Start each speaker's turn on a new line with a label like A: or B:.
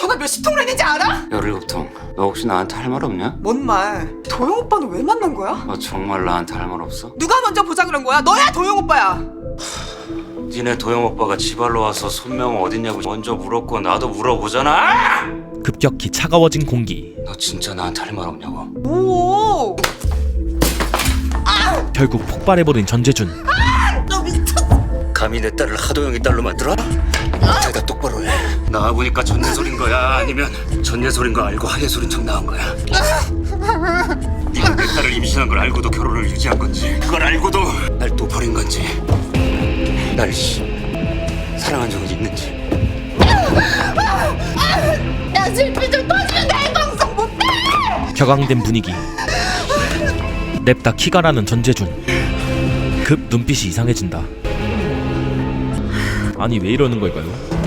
A: 전화 몇십 통을 했는지 알아?
B: 17통. 너 혹시 나한테 할 말 없냐?
A: 뭔 말? 도영 오빠는 왜 만난 거야?
B: 너 정말 나한테 할 말 없어?
A: 누가 먼저 보자 그런 거야? 너야 도영 오빠야.
B: 니네 도영 오빠가 지발로 와서 손명 어딨냐고 먼저 물었고 나도 물어보잖아.
C: 급격히 차가워진 공기.
B: 너 진짜 나한테 할 말 없냐고?
A: 오.
C: 결국 폭발해버린 전재준.
A: 너 미쳤어.
B: 감히 내 딸을 하도영이 딸로 만들어? 대답 똑바로 해. 나와보니까 전예솔인 거야? 아니면 전예솔인 거 알고 하예솔인 척 나온 거야? 네가 내 딸을 임신한 걸 알고도 결혼을 유지한 건지, 그걸 알고도 날 또 버린 건지, 날 사랑한 적은 있는지.
A: 나 실패 좀 터지면 내 방송 못해.
C: 격앙된 분위기. 냅다 키가 나는 전재준. 급 눈빛이 이상해진다. 아니 왜 이러는 걸까요?